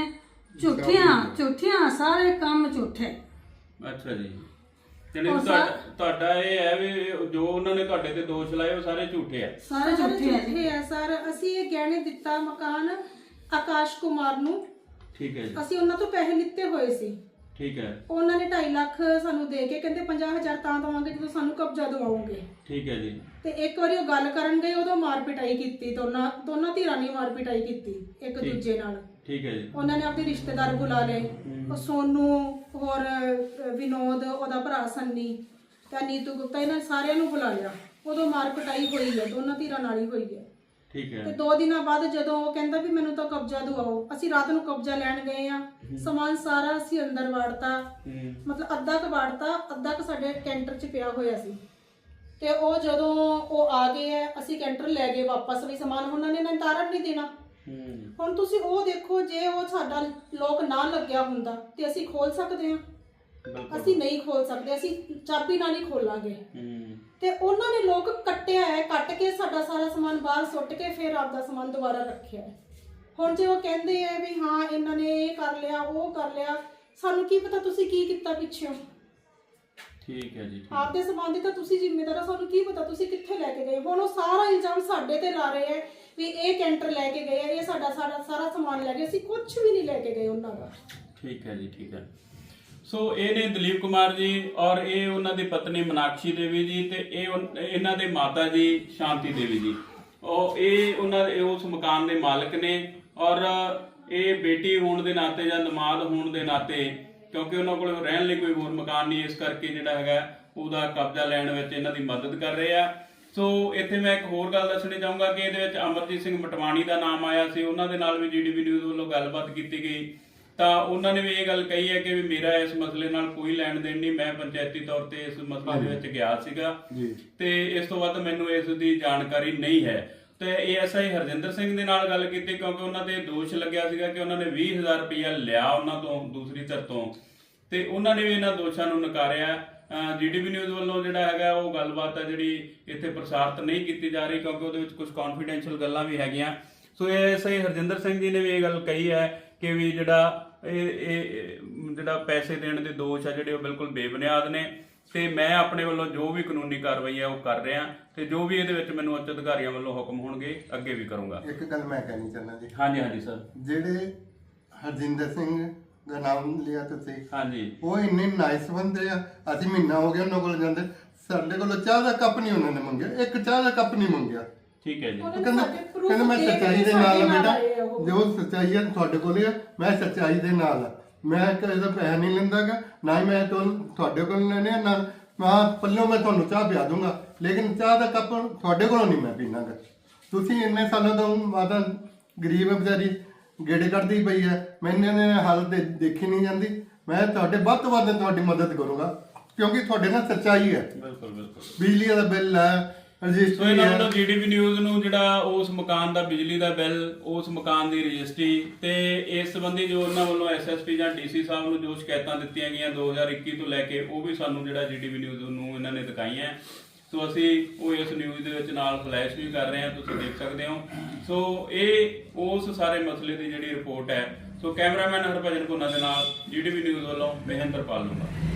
Speaker 8: ਝੂਠੀਆਂ ਸਾਰੇ ਕੰਮ ਝੂਠੇ।
Speaker 1: ਅੱਛਾ ਜੀ। ਜਣੀ ਤੁਹਾਡਾ ਇਹ ਹੈ ਵੀ ਜੋ ਉਹਨਾਂ ਨੇ ਤੁਹਾਡੇ ਤੇ ਦੋਸ਼ ਲਾਏ ਉਹ ਸਾਰੇ ਝੂਠੇ ਆ?
Speaker 8: ਸਾਰੇ ਝੂਠੇ ਹੈ ਜੀ।
Speaker 7: ਝੂਠੇ ਆ ਸਰ। ਅਸੀਂ ਇਹ ਗਹਿਣੇ ਦਿੱਤਾ ਮਕਾਨ ਆਕਾਸ਼ ਕੁਮਾਰ ਨੂੰ,
Speaker 1: ਠੀਕ ਹੈ ਜੀ।
Speaker 7: ਅਸੀਂ ਉਹਨਾਂ ਤੋਂ ਪੈਸੇ ਲਿੱਤੇ ਹੋਏ ਸੀ।
Speaker 1: ਠੀਕ ਹੈ।
Speaker 7: ਉਹਨਾਂ ਨੇ 2.5 ਲੱਖ ਸਾਨੂੰ ਦੇ ਕੇ ਕਹਿੰਦੇ 50,000 ਤਾਂ ਦਵਾਂਗੇ ਜਦੋਂ ਸਾਨੂੰ ਕਬਜ਼ਾ ਦਿਵਾਓਗੇ।
Speaker 1: ਠੀਕ ਹੈ ਜੀ।
Speaker 7: ਤੇ ਇੱਕ ਵਾਰੀ ਉਹ ਗੱਲ ਕਰਨ ਗਏ, ਉਦੋਂ ਮਾਰ ਪਿਟਾਈ ਕੀਤੀ, ਦੋਨਾਂ ਧਿਰਾਂ ਨੇ ਮਾਰ ਪਿਟਾਈ ਕੀਤੀ ਇੱਕ ਦੂਜੇ ਨਾਲ।
Speaker 1: ਠੀਕ ਹੈ ਜੀ।
Speaker 7: ਉਹਨਾਂ ਨੇ ਆਪਣੇ ਰਿਸ਼ਤੇਦਾਰ ਬੁਲਾ ਲਏ, ਉਹ ਸੋਨੂ ਹੋਰ ਵਿਨੋਦ, ਉਹਦਾ ਭਰਾ ਸੰਨੀ ਤੇ ਨੀਤੂ ਗੁਪਤਾ, ਇਹਨਾਂ ਸਾਰਿਆਂ ਨੂੰ ਬੁਲਾ ਲਿਆ। ਉਦੋਂ ਮਾਰ ਪਿਟਾਈ ਹੋਈ ਹੈ, ਦੋਨਾਂ ਧਿਰਾਂ ਨਾਲ ਹੀ ਹੋਈ ਹੈ।
Speaker 1: ਠੀਕ ਹੈ।
Speaker 7: ਤੇ 2 ਦਿਨਾਂ ਬਾਅਦ ਜਦੋਂ ਉਹ ਕਹਿੰਦਾ ਵੀ ਮੈਨੂੰ ਤਾਂ ਕਬਜ਼ਾ ਦਿਵਾਓ, ਅਸੀਂ ਰਾਤ ਨੂੰ ਕਬਜ਼ਾ ਲੈਣ ਗਏ ਆ। ਸਮਾਨ ਸਾਰਾ ਅਸੀਂ ਅੰਦਰ ਵਾੜਤਾ, ਮਤਲਬ ਅੱਧਾ ਕ ਵਾੜਤਾ, ਅੱਧਾ ਕ ਸਾਡੇ ਕੈਂਟਰ 'ਚ ਪਿਆ ਹੋਇਆ ਸੀ। ਤੇ ਉਹ ਜਦੋਂ ਉਹ ਆ ਗਏ ਆ, ਅਸੀਂ ਕੈਂਟਰ ਲੈ ਗਏ ਵਾਪਸ ਵੀ ਸਮਾਨ, ਉਹਨਾਂ ਨੇ ਨਿਤਾਰਨ ਨਹੀਂ ਦੇਣਾ। ਹੁਣ ਤੁਸੀਂ ਉਹ ਦੇਖੋ, ਜੇ ਉਹ ਸਾਡਾ ਲੋਕ ਨਾ ਲੱਗਿਆ ਹੁੰਦਾ ਤੇ ਅਸੀਂ ਖੋਲ ਸਕਦੇ ਹਾਂ? ਅਸੀਂ ਨਹੀਂ ਖੋਲ ਸਕਦੇ, ਅਸੀਂ ਚਾਬੀ ਨਾਲ ਹੀ ਖੋਲਾਂਗੇ। ਤੇ ਉਹਨਾਂ ਨੇ ਲੋਕ ਕੱਟਿਆ ਹੈ, ਕੱਟ ਕੇ ਸਾਡਾ ਸਾਰਾ ਸਮਾਨ ਬਾਹਰ ਸੁੱਟ ਕੇ ਫਿਰ ਆਪਦਾ ਸਮਾਨ ਦੁਬਾਰਾ ਰੱਖਿਆ ਹੈ। ਹੁਣ ਜੇ ਉਹ ਕਹਿੰਦੇ ਆ ਵੀ ਹਾਂ ਇਹਨਾਂ ਨੇ ਇਹ ਕਰ ਲਿਆ ਉਹ ਕਰ ਲਿਆ, ਸਾਨੂੰ ਕੀ ਪਤਾ ਤੁਸੀਂ ਕੀ ਕੀਤਾ ਪਿੱਛੋਂ।
Speaker 1: ਠੀਕ ਹੈ ਜੀ।
Speaker 7: ਆਪਦੇ ਸਮਾਨ ਦੀ ਤਾਂ ਤੁਸੀਂ ਜ਼ਿੰਮੇਦਾਰ ਹੋ, ਸਾਨੂੰ ਕੀ ਪਤਾ ਤੁਸੀਂ ਕਿੱਥੇ ਲੈ ਕੇ ਗਏ। ਹੁਣ ਉਹ ਸਾਰਾ ਇਲਜ਼ਾਮ ਸਾਡੇ ਤੇ ਲਾ ਰਹੇ ਹੈ ਵੀ ਇਹ ਕੈਂਟਰ ਲੈ ਕੇ ਗਏ ਆ, ਇਹ ਸਾਡਾ ਸਾਰਾ ਸਮਾਨ ਲੈ ਗਏ। ਅਸੀਂ ਕੁਝ ਵੀ ਨਹੀਂ ਲੈ ਕੇ ਗਏ ਉਹਨਾਂ ਦਾ।
Speaker 1: ਠੀਕ ਹੈ ਜੀ। ਠੀਕ ਹੈ। ਸੋ ਇਹ ਨੇ ਦਲੀਪ ਕੁਮਾਰ ਜੀ ਔਰ ਇਹ ਉਹਨਾਂ ਦੀ ਪਤਨੀ ਮਨਾਕਸ਼ੀ ਦੇਵੀ ਜੀ ਤੇ ਇਹਨਾਂ ਦੇ ਮਾਤਾ ਜੀ ਸ਼ਾਂਤੀ ਦੇਵੀ ਜੀ। ਇਹ ਉਹਨਾਂ ਦੇ ਉਸ ਮਕਾਨ ਦੇ ਮਾਲਕ ਨੇ ਔਰ ਇਹ ਬੇਟੀ ਹੋਣ ਦੇ ਨਾਤੇ ਜਾਂ ਨਮਾਜ਼ ਹੋਣ ਦੇ ਨਾਤੇ, ਕਿਉਂਕਿ ਉਹਨਾਂ ਕੋਲ ਰਹਿਣ ਲਈ ਕੋਈ ਹੋਰ ਮਕਾਨ ਨਹੀਂ, ਇਸ ਕਰਕੇ ਜਿਹੜਾ ਹੈਗਾ ਉਹਦਾ ਕਬਜ਼ਾ ਲੈਣ ਵਿੱਚ ਇਹਨਾਂ ਦੀ ਮਦਦ ਕਰ ਰਹੇ ਆ। ਸੋ ਇੱਥੇ ਮੈਂ ਇੱਕ ਹੋਰ ਗੱਲ ਦੱਸਣੀ ਚਾਹੂੰਗਾ ਕਿ ਇਹਦੇ ਵਿੱਚ ਅਮਰਜੀਤ ਸਿੰਘ ਮਟਵਾਣੀ ਦਾ ਨਾਮ ਆਇਆ ਸੀ। ਉਹਨਾਂ ਦੇ ਨਾਲ ਵੀ ਜੀਡੀਪੀ ਨਿਊਜ਼ ਵੱਲੋਂ ਗੱਲਬਾਤ ਕੀਤੀ ਗਈ ਤਾਂ ਉਹਨਾਂ ਨੇ ਵੀ ਇਹ ਗੱਲ ਕਹੀ ਹੈ ਕਿ ਵੀ ਮੇਰਾ ਇਸ ਮਸਲੇ ਨਾਲ ਕੋਈ ਲੈਣ ਦੇਣ ਨਹੀਂ, ਮੈਂ ਪੰਚਾਇਤੀ ਤੌਰ ਤੇ ਇਸ ਮਸਲੇ ਦੇ ਵਿੱਚ ਗਿਆ ਸੀਗਾ ਤੇ ਇਸ ਤੋਂ ਵੱਧ ਮੈਨੂੰ ਇਸ ਦੀ ਜਾਣਕਾਰੀ ਨਹੀਂ ਹੈ। ਤੇ ਏਐਸਆਈ ਹਰਜਿੰਦਰ ਸਿੰਘ ਦੇ ਨਾਲ ਗੱਲ ਕੀਤੀ ਕਿਉਂਕਿ ਉਹਨਾਂ ਤੇ ਦੋਸ਼ ਲੱਗਿਆ ਸੀਗਾ ਕਿ ਉਹਨਾਂ ਨੇ 20,000 ਰੁਪਇਆ ਲਿਆ ਉਹਨਾਂ ਤੋਂ ਦੂਸਰੀ ਧਿਰ ਤੋਂ, ਤੇ ਉਹਨਾਂ ਨੇ ਵੀ ਇਹਨਾਂ ਦੋਸ਼ਾਂ ਨੂੰ ਨਕਾਰਿਆ। ਜੀਡੀਪੀ ਨਿਊਜ਼ ਵੱਲੋਂ ਜਿਹੜਾ ਹੈਗਾ ਉਹ ਗੱਲਬਾਤ ਹੈ ਜਿਹੜੀ ਇੱਥੇ ਪ੍ਰਸਾਰਿਤ ਨਹੀਂ ਕੀਤੀ ਜਾ ਰਹੀ ਕਿਉਂਕਿ ਉਹਦੇ ਵਿੱਚ ਕੁਝ ਕੌਨਫੀਡੈਂਸ਼ੀਅਲ ਗੱਲਾਂ ਵੀ ਹੈਗੀਆਂ। ਸੋ ਏਐਸਆਈ ਹਰਜਿੰਦਰ ਸਿੰਘ ਜੀ ਨੇ ਵੀ ਇਹ ਗੱਲ ਕਹੀ ਹੈ ਕਿ ਵੀ ਜਿਹੜਾ ਪੈਸੇ ਦੇਣ ਦੇ ਦੋਸ਼ ਆ ਜਿਹੜੇ ਉਹ ਬਿਲਕੁਲ ਬੇਬੁਨਿਆਦ ਨੇ ਤੇ ਮੈਂ ਆਪਣੇ ਵੱਲੋਂ ਜੋ ਵੀ ਕਾਨੂੰਨੀ ਕਾਰਵਾਈ ਹੈ ਉਹ ਕਰ ਰਿਹਾ ਤੇ ਜੋ ਵੀ ਇਹਦੇ ਵਿੱਚ ਮੈਨੂੰ ਉੱਚ ਅਧਿਕਾਰੀਆਂ ਵੱਲੋਂ ਹੁਕਮ ਹੋਣਗੇ ਅੱਗੇ ਵੀ ਕਰੂੰਗਾ।
Speaker 9: ਇੱਕ ਗੱਲ ਮੈਂ ਕਹਿਣੀ ਚਾਹੁੰਦਾ ਜੀ।
Speaker 1: ਹਾਂਜੀ ਸਰ।
Speaker 9: ਜਿਹੜੇ ਹਰਜਿੰਦਰ ਸਿੰਘ ਦਾ ਨਾਮ ਲਿਆ ਤੁਸੀਂ,
Speaker 1: ਹਾਂਜੀ,
Speaker 9: ਉਹ ਇੰਨੇ ਨਾਈਸ ਬੰਦੇ ਆ। ਅਸੀਂ ਮਹੀਨਾ ਹੋ ਗਿਆ ਉਹਨਾਂ ਕੋਲ ਜਾਂਦੇ, ਸਾਡੇ ਕੋਲੋਂ ਚਾਹ ਦਾ ਕੱਪ ਨਹੀਂ ਉਹਨਾਂ ਨੇ ਮੰਗਿਆ, ਇੱਕ ਚਾਹ ਦਾ ਕੱਪ ਨਹੀਂ ਮੰਗਿਆ।
Speaker 1: ਠੀਕ ਹੈ ਜੀ।
Speaker 9: ਕਹਿੰਦਾ ਮੈਂ ਸੱਚਾਈ ਦੇ ਨਾਲ ਆ ਬੇਟਾ, ਜੋ ਸੱਚਾਈ ਹੈ ਤੁਹਾਡੇ ਕੋਲ ਹੈ, ਮੈਂ ਸੱਚਾਈ ਦੇ ਨਾਲ ਆ, ਮੈਂ ਕਿਸੇ ਦਾ ਪੈਸਾ ਨਹੀਂ ਲੈਂਦਾਗਾ, ਨਾ ਹੀ ਮੈਂ ਤੁਹਾਡੇ ਕੋਲ ਲੈਣੇ ਆ, ਨਾ ਮੈਂ ਪੱਲੋਂ ਮੈਂ ਤੁਹਾਨੂੰ ਚਾਹ ਪਿਆ ਦੂੰਗਾ, ਲੇਕਿਨ ਚਾਹ ਦਾ ਕੱਪ ਤੁਹਾਡੇ ਕੋਲੋਂ ਨਹੀਂ ਮੈਂ ਪੀਣਾਗਾ। ਤੁਸੀਂ ਇੰਨੇ ਸਾਲਾਂ ਤੋਂ ਮਾਤਾ ਗਰੀਬ ਹੈ ਵਿਚਾਰੀ, ਗੇੜੇ ਕੱਢਦੀ ਪਈ ਹੈ, ਮੈਨੂੰ ਇਹਨੇ ਹਾਲਤ ਦੇਖੀ ਨਹੀਂ ਜਾਂਦੀ। ਮੈਂ ਤੁਹਾਡੇ ਵੱਧ ਤੋਂ ਵੱਧ ਤੁਹਾਡੀ ਮਦਦ ਕਰੂੰਗਾ ਕਿਉਂਕਿ ਤੁਹਾਡੇ ਨਾਲ ਸੱਚਾਈ ਹੈ।
Speaker 1: ਬਿਲਕੁਲ ਬਿਲਕੁਲ।
Speaker 9: ਬਿਜਲੀ ਦਾ ਬਿੱਲ ਹੈ,
Speaker 1: ਸੋ ਇਹਨਾਂ ਵੱਲੋਂ ਜੀਡੀਪੀ ਨਿਊਜ਼ ਨੂੰ ਜਿਹੜਾ ਉਸ ਮਕਾਨ ਦਾ ਬਿਜਲੀ ਦਾ ਬਿੱਲ, ਉਸ ਮਕਾਨ ਦੀ ਰਜਿਸਟਰੀ ਤੇ ਇਸ ਸੰਬੰਧੀ ਜੋ ਉਹਨਾਂ ਵੱਲੋਂ ਐਸਐਸਪੀ ਜਾਂ ਡੀਸੀ ਸਾਹਿਬ ਨੂੰ ਜੋ ਸ਼ਿਕਾਇਤਾਂ ਦਿੱਤੀਆਂ ਗਈਆਂ 2021 ਤੋਂ ਲੈ ਕੇ, ਉਹ ਵੀ ਸਾਨੂੰ ਜਿਹੜਾ ਜੀਡੀਪੀ ਨਿਊਜ਼ ਨੂੰ ਇਹਨਾਂ ਨੇ ਦਿਖਾਈਆਂ। ਸੋ ਅਸੀਂ ਉਹ ਇਸ ਨਿਊਜ਼ ਦੇ ਵਿੱਚ ਨਾਲ ਫਲੈਸ਼ ਵੀ ਕਰ ਰਹੇ ਹਾਂ, ਤੁਸੀਂ ਦੇਖ ਸਕਦੇ ਹੋ। ਸੋ ਇਹ ਉਸ ਸਾਰੇ ਮਸਲੇ ਦੀ ਜਿਹੜੀ ਰਿਪੋਰਟ ਹੈ। ਸੋ ਕੈਮਰਾਮੈਨ ਹਰਭਜਨ ਭੁੰਨਾ ਦੇ ਨਾਲ GTV ਨਿਊਜ਼ ਵੱਲੋਂ ਮਹਿੰਦਰ ਪਾਲ ਨੂੰ।